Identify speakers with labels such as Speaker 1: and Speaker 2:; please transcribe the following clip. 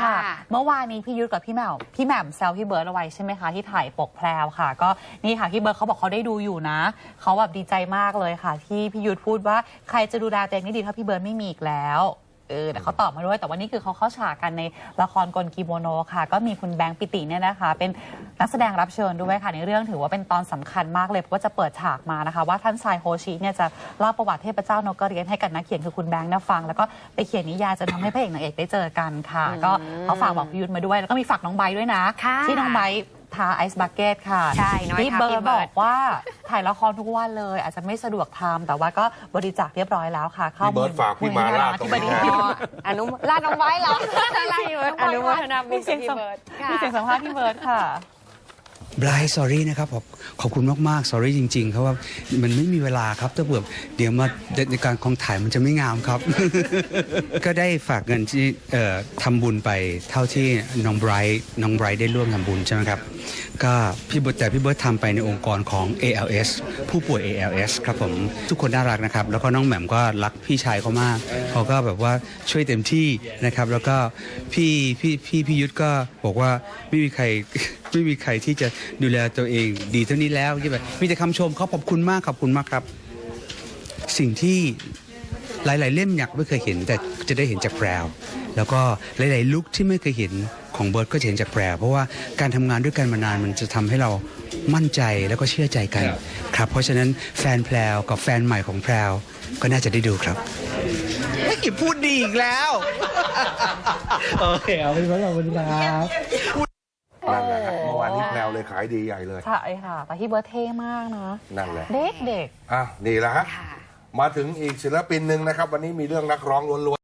Speaker 1: ค่ะเมื่อวานนี้พี่ยุทธกับพี่แหม่มแซวพี่เบิร์ดเอาไว้ใช่ไหมคะที่ถ่ายปกแพรวค่ะก็นี่ค่ะพี่เบิร์ดเขาบอกเขาได้ดูอยู่นะเขาแบบดีใจมากเลยค่ะที่พี่ยุทธพูดว่าใครจะดูแลตัวเองได้ดีถ้าพี่เบิร์ดไม่มีอีกแล้วแต่เขาตอบมาด้วยแต่ว่านี่คือเขาเข้าฉากกันในละครกลกิโมโนค่ะก็มีคุณแบงค์ปิติเนี่ยนะคะเป็นนักแสดงรับเชิญด้วยค่ะในเรื่องถือว่าเป็นตอนสำคัญมากเลยเพราะว่าจะเปิดฉากมานะคะว่าท่านชายโฮชิเนี่ยจะเล่าประวัติเทพเจ้านกกระเรียนให้กับนักเขียนคือคุณแบงค์ฟังแล้วก็ไปเขียนนิยายจะทำให้พระเอกนางเอกได้เจอกันค่ะก็เขาฝากบอกพี่ยุทธมาด้วยแล้วก็มีฝากน้องไบร์ทด้วยนะที่น้องไบร์ททาไอซ์บักเก็ตค่ะพี่เบิร์ดบอกว่าถ่ายละครทุกวันเลยอาจจะไม่สะดวกทำแต่ว่าก็บริจาคเรียบร้อยแล้วค่ะ
Speaker 2: เข้าพี่เบิร์ดฝากพี่มาลาดตรงนี้
Speaker 3: อนุลาดน้องไว้เหรออนุโมทนาบุญกับพี่เบิร์ด
Speaker 1: มีเสียงสัมภาษณ์พี่เบิร์ดค่ะ
Speaker 4: ไบรท์ sorry นะครับขอบคุณมากๆ sorry จริงๆเพราะว่ามันไม่มีเวลาครับถ้าเดี๋ยวมาในการของถ่ายมันจะไม่งามครับ ก็ได้ฝากเงินที่ทำบุญไปเท่าที่น้องไบรท์ได้ร่วมทำบุญใช่ไหมครับก็พี่เบิร์ดทำไปในองค์กรของ ALS ผู้ป่วย ALS ครับผมทุกคนน่ารักนะครับแล้วก็น้องแหม่มก็รักพี่ชายเขามากเขาก็แบบว่าช่วยเต็มที่นะครับแล้วก็พี่ยุทธก็บอกว่าไม่มีใครที่จะดูแลตัวเองดีเท่านี้แล้วที่แบบมีแต่คำชมเขาขอบคุณมากครับสิ่งที่หลายๆเล่มอยากไม่เคยเห็นแต่จะได้เห็นจากแพรวแล้วก็หลายๆลุคที่ไม่เคยเห็นของเบิร์ดก็จะเห็นจากแพรวเพราะว่าการทำงานด้วยกันมานานมันจะทำให้เรามั่นใจแล้วก็เชื่อใจกันครับเพราะฉะนั้นแฟนแพรวกับแฟนใหม่ของแพรวก็น่าจะได้ดูครับไม่กี่พูดดีอีกแล้วโอเคเอาไปขอบคุณครับ
Speaker 2: นั่นแหละครับเมื่อวานนี้แพรวเลยขายดีใหญ่เลย
Speaker 1: ใช่ค่ะแต่พี่เบิร์ดเท่มากนะ
Speaker 2: นั่นแหละ
Speaker 1: เด็ก
Speaker 2: นี่แหละฮะมาถึงอีกศิลปินหนึ่งนะครับวันนี้มีเรื่องนักร้องล้วน